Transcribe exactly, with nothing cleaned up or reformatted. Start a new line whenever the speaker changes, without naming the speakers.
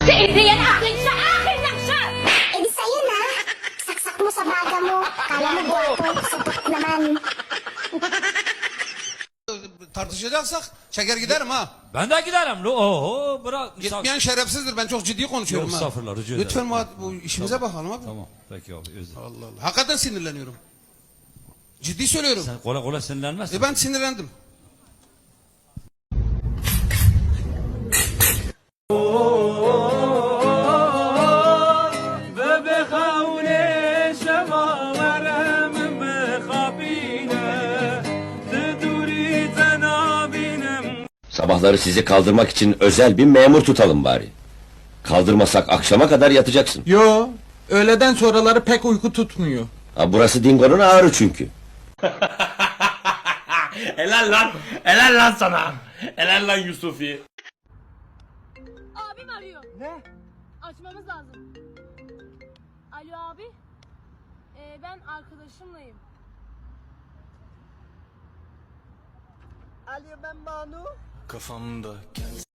Si Adrian, akin siya! Akin lang siya!
Eh di sa'yo na. Saksak mo sa baga mo. Kala mo gwapo. Sapat naman.
Tartışacaksak çeker giderim ha.
Ben de giderim. lo- Oho bırak.
Gitmeyen şerefsizdir. Ben çok ciddi konuşuyorum
Yok,
ha.
estağfurullah, rica ederim.
Lütfen muhat- bu işimize bakalım abi.
Tamam peki abi özür.
Allah Allah. Hakikaten sinirleniyorum. Ciddi söylüyorum.
Sen kolay kolay sinirlenmezsin.
E ben sinirlendim.
Sabahları sizi kaldırmak için özel bir memur tutalım bari. Kaldırmasak akşama kadar yatacaksın.
Yo, öğleden sonraları pek uyku tutmuyor.
Ha, burası Dingo'nun ağrı çünkü.
Helal lan. Helal lan sana. Helal lan Yusufi.
Abim arıyor. Ne? Açmamız lazım. Alo abi. Ee, ben arkadaşımlayım.
Ali ben Banu.
Kafamda